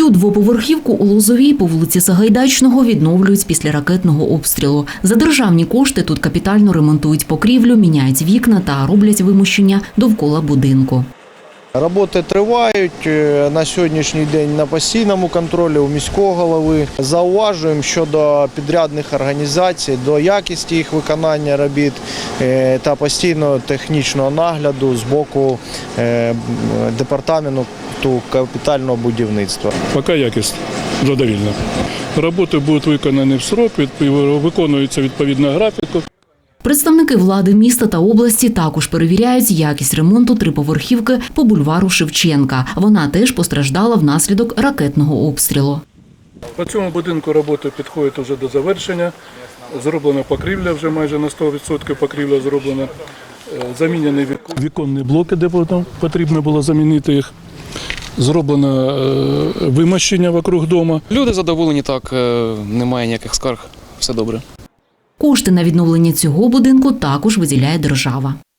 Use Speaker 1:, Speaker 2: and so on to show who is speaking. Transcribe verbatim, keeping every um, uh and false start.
Speaker 1: Цю двоповерхівку у Лозовій по вулиці Сагайдачного відновлюють після ракетного обстрілу. За державні кошти тут капітально ремонтують покрівлю, міняють вікна та роблять вимощення довкола будинку.
Speaker 2: Роботи тривають на сьогоднішній день на постійному контролі у міського голови. Зауважуємо щодо підрядних організацій, до якості їх виконання робіт та постійного технічного нагляду з боку департаменту капітального будівництва.
Speaker 3: Поки якість задовільна. Роботи будуть виконані в срок, виконується відповідно графіку.
Speaker 1: Представники влади міста та області також перевіряють якість ремонту триповерхівки по бульвару Шевченка. Вона теж постраждала внаслідок ракетного обстрілу.
Speaker 3: По цьому будинку роботи підходять вже до завершення. Зроблена покрівля, вже майже на сто відсотків покрівля зроблена. Замінені віконні блоки, де потрібно було замінити їх. Зроблено вимощення вокруг дому.
Speaker 4: Люди задоволені, так, немає ніяких скарг, все добре.
Speaker 1: Кошти на відновлення цього будинку також виділяє держава.